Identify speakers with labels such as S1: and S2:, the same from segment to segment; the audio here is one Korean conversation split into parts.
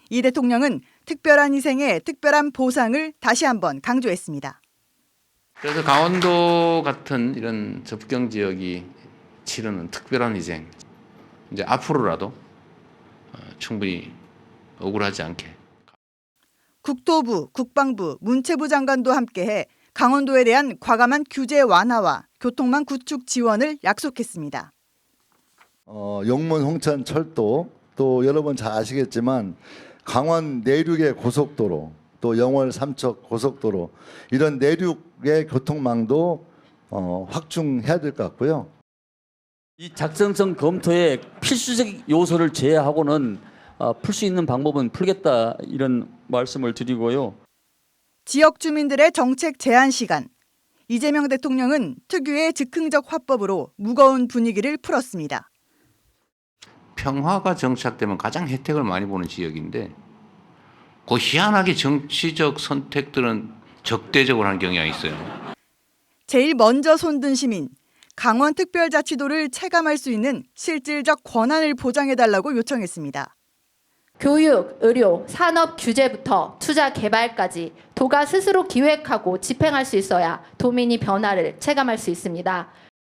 S1: 이 대통령은 특별한 희생에 특별한 보상을 다시 한번 강조했습니다.
S2: 그래서 강원도 같은 이런 접경 지역이 치르는 특별한 희생, 이제 앞으로라도 충분히 억울하지 않게.
S1: 국토부, 국방부, 문체부 장관도 함께해 강원도에 대한 과감한 규제 완화와 교통망 구축 지원을 약속했습니다.
S3: 용문 홍천 철도, 또 여러분 잘 아시겠지만 강원 내륙의 고속도로, 또 영월 삼척 고속도로, 이런 내륙의 교통망도 확충해야 될 것 같고요.
S4: 이 작성성 검토에 필수적 요소를 제외하고는 풀 수 있는 방법은 풀겠다, 이런 말씀을 드리고요.
S1: 지역 주민들의 정책 제한 시간. 이재명 대통령은 특유의 즉흥적 화법으로 무거운 분위기를 풀었습니다.
S2: 평화가 정착되면 가장 혜택을 많이 보는 지역인데 그 희한하게 정치적 선택들은 적대적으로 하는 경향이 있어요.
S1: 제일 먼저 손든 시민, 강원특별자치도를 체감할 수 있는 실질적 권한을 보장해달라고 요청했습니다.
S5: 교육, 의료, 산업 규제부터 투자 개발까지 도가 스스로 기획하고 집행할 수 있어야 도민이 변화를 체감할 수 있습니다.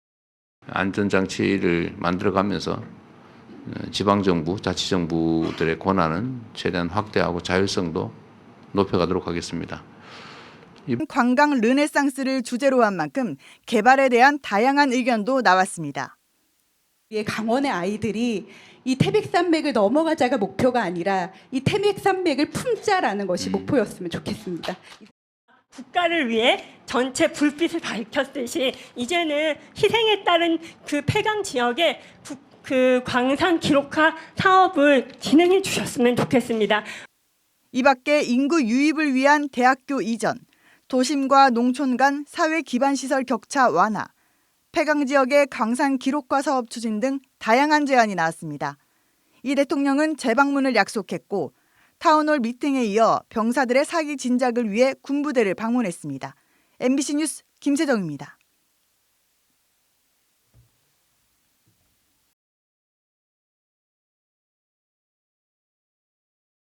S2: 안전장치를 만들어가면서 지방정부, 자치정부들의 권한은 최대한 확대하고 자율성도 높여가도록 하겠습니다.
S1: 관광 르네상스를 주제로 한 만큼 개발에 대한 다양한 의견도 나왔습니다.
S6: 강원의 아이들이 이 태백산맥을 넘어가자가 목표가 아니라 이 태백산맥을 품자라는 것이 목표였으면 좋겠습니다.
S7: 국가를 위해 전체 불빛을 밝혔듯이 이제는 희생에 따른 그 폐강 지역에 그 광산 기록화 사업을 진행해 주셨으면 좋겠습니다.
S1: 이 밖에 인구 유입을 위한 대학교 이전, 도심과 농촌 간 사회 기반 시설 격차 완화, 폐강 지역의 광산 기록화 사업 추진 등 다양한 제안이 나왔습니다. 이 대통령은 재방문을 약속했고 타운홀 미팅에 이어 병사들의 사기 진작을 위해 군부대를 방문했습니다. MBC 뉴스 김세정입니다.